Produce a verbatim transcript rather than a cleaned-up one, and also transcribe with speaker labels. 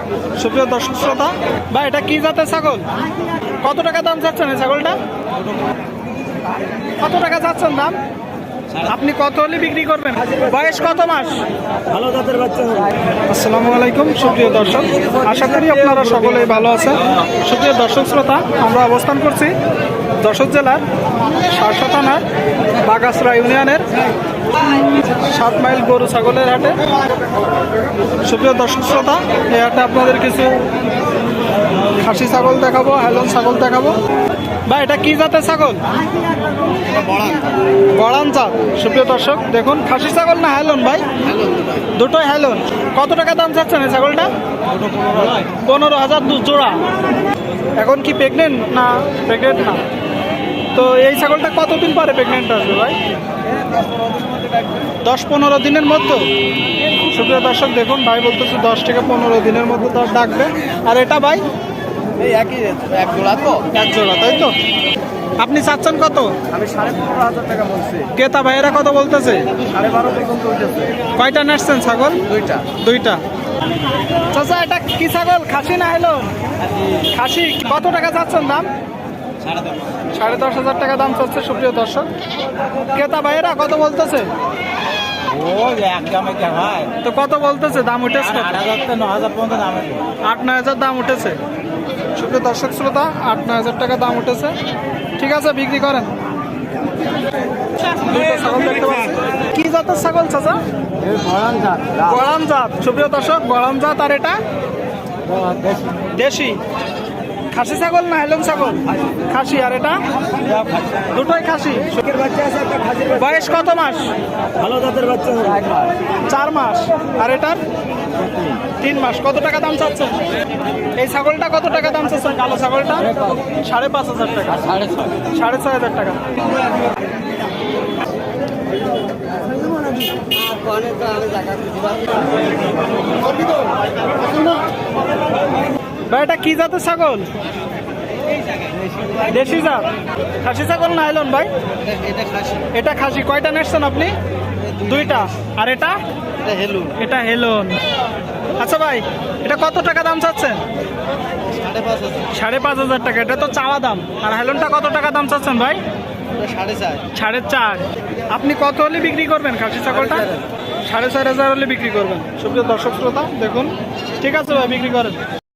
Speaker 1: সুপ্রিয় দর্শক শ্রোতা, ভাই এটা কি জাতের ছাগল? কত টাকা দাম চাচ্ছেন এই ছাগলটা? কত টাকা চাচ্ছেন দাম? আপনি কত হলে বিক্রি করবেন? বয়স কত মাস?
Speaker 2: ভালো জাতের বাচ্চা।
Speaker 1: আসসালামু আলাইকুম সুপ্রিয় দর্শক, আশা করি আপনারা সকলেই ভালো আছেন। সুপ্রিয় দর্শক শ্রোতা, আমরা অবস্থান করছি যশোর জেলার শার্শা থানার বাগাসরা ইউনিয়নের সাত মাইল গরু ছাগলের হাটে। সুপ্রিয় দর্শক শ্রোতা, এই হাটে আপনাদের কিছু খাসি ছাগল দেখাবো, হেলন ছাগল দেখাবো। ভাই এটা কি জাতের ছাগল? বড়ান জাত। সুপ্রিয় দর্শক দেখুন, খাসি ছাগল না হেলন ভাই? দুটোই হেলন। কত টাকা দাম চাচ্ছেন এই ছাগলটা? পনেরো হাজার দু জোড়া। এখন কি প্রেগনেন্ট না? প্রেগনেন্ট না। তো এই ছাগলটা কতদিন পরে প্রেগনেন্ট আসবে ভাই? দশ পনেরো দিনের মধ্যে। সুপ্রিয় দর্শক দেখুন, ভাই বলতেছে দশ থেকে পনেরো দিনের মধ্যে তার ডাকবে। আর এটা ভাই
Speaker 2: এই একই এক জোড়া তো,
Speaker 1: এক জোড়া, তাই তো? আপনি চাচ্ছেন কত?
Speaker 2: আমি সাড়ে পনেরো হাজার টাকা বলছি।
Speaker 1: ক্রেতা ভাইয়েরা কত বলতেছে?
Speaker 2: সাড়ে বারো পর্যন্ত উঠেছে।
Speaker 1: কয়টা নাচছেন ছাগল?
Speaker 2: দুইটা।
Speaker 1: দুইটা। চাচা এটা কি ছাগল? খাসি না হলো? খাসি। কত টাকা চাচ্ছেন দাম? সাড়ে দশ হাজার টাকা দাম চাচ্ছে সুপ্রিয় দর্শক। ক্রেতা ভাইয়েরা কত বলতেছে?
Speaker 2: ও একদমই কে ভাই,
Speaker 1: তো কত বলতেছে? দাম উঠেছে
Speaker 2: আট হাজার থেকে ন হাজার পর্যন্ত দাম।
Speaker 1: আট নয় হাজার দাম উঠেছে। সুপ্রিয় দর্শক শ্রোতা, আট নয় হাজার টাকা দাম উঠেছে। ঠিক আছে, বিক্রি করেন। দুটো ছাগল দেখতে পাচ্ছি। কি জাতের ছাগল চাচা? গড়ান জাত। সুপ্রিয় দর্শক, গড়ান জাত। আর এটা দেশি। খাসি ছাগল না হেলন ছাগল? খাসি। আর এটা দুটোই খাসি।
Speaker 2: বাচ্চা আছে একটা খাসির বাচ্চা।
Speaker 1: বয়স কত মাস?
Speaker 2: ভালো জাতের বাচ্চা হবে
Speaker 1: চার মাস। আর এটার তিন মাস। কত টাকা দাম চাচ্ছেন এই ছাগলটা? কত টাকা দাম চাচ্ছেন কালো ছাগলটা? সাড়ে পাঁচ হাজার টাকা।
Speaker 2: সাড়ে ছয়
Speaker 1: সাড়ে ছয় হাজার টাকা। ভাই এটা কি জাতের ছাগল? দেশি জাত। খাসি ছাগল না হেলন ভাই?
Speaker 2: এটা খাসি।
Speaker 1: এটা খাসি। কয়টা নেসছেন আপনি? দুইটা। আর এটা?
Speaker 2: এটা হেলু।
Speaker 1: এটা হেলন। আচ্ছা ভাই, এটা কত টাকা দাম চাচ্ছেন?
Speaker 2: সাড়ে পাঁচ হাজার।
Speaker 1: সাড়ে পাঁচ হাজার টাকা। এটা তো চাওয়া দাম। আর হেলনটা কত টাকা দাম চাচ্ছেন ভাই?
Speaker 2: সাড়ে চার।
Speaker 1: সাড়ে চার। আপনি কত হলে বিক্রি করবেন খাসি ছাগলটা? সাড়ে চার হাজার হলে বিক্রি করবেন। সুপ্রিয় দর্শক শ্রোতা দেখুন, ঠিক আছে ভাই, বিক্রি করেন।